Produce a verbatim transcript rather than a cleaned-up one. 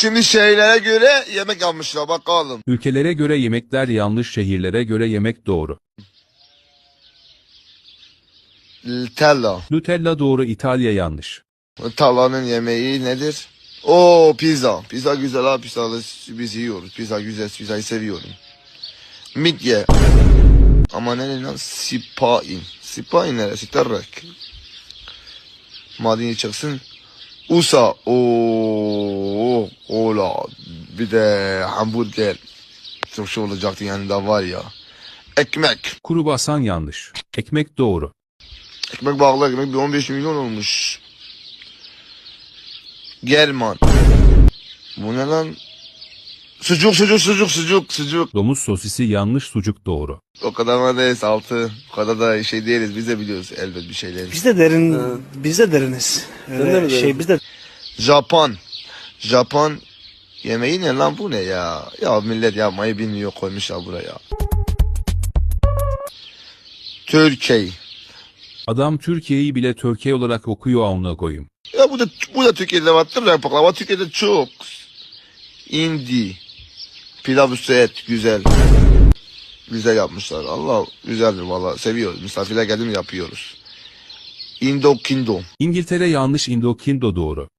Şimdi şeylere göre yemek yapmışlar bakalım. Ülkelere göre yemekler yanlış, şehirlere göre yemek doğru. Tella. Nutella doğru, İtalya yanlış. Talla'nın yemeği nedir? Oo pizza. Pizza güzel ha, pizza biz yiyoruz. Pizza güzel, pizzayı seviyorum. Midye. Ama ne lan? Sipain. Sipain neresi? Terrek. Madeni çıksın. Usa. Oo, ola. Bir de hamburger. Çok şey olacaktı yanında var ya. Ekmek. Kruvasan yanlış. Ekmek doğru. Ekmek bağlı ekmek bir on beş milyon olmuş. German. Bu ne lan? Sucuk sucuk sucuk sucuk sucuk. Domuz sosisi yanlış, sucuk doğru. O kadar mı değiliz altı. O kadar da şey değiliz. Biz de biliyoruz elbet bir şeyleri. Biz de derin, biz de deriniz. Öyle şey biz de Japon. Japon yemeği ne lan, bu ne ya? Ya millet yapmayı bilmiyor, koymuşlar buraya. Türkiye. Adam Türkiye'yi bile Türkiye olarak okuyor, amına koyayım. Ya bu da bu da Türkiye'de var. Baklava Türkiye'de çok. Indi. Pilav üstü et güzel. Güzel yapmışlar. Allah güzeldir valla, seviyoruz. Misafirler geldi mi yapıyoruz. Indo Kindo. İngiltere yanlış, Indokindo doğru.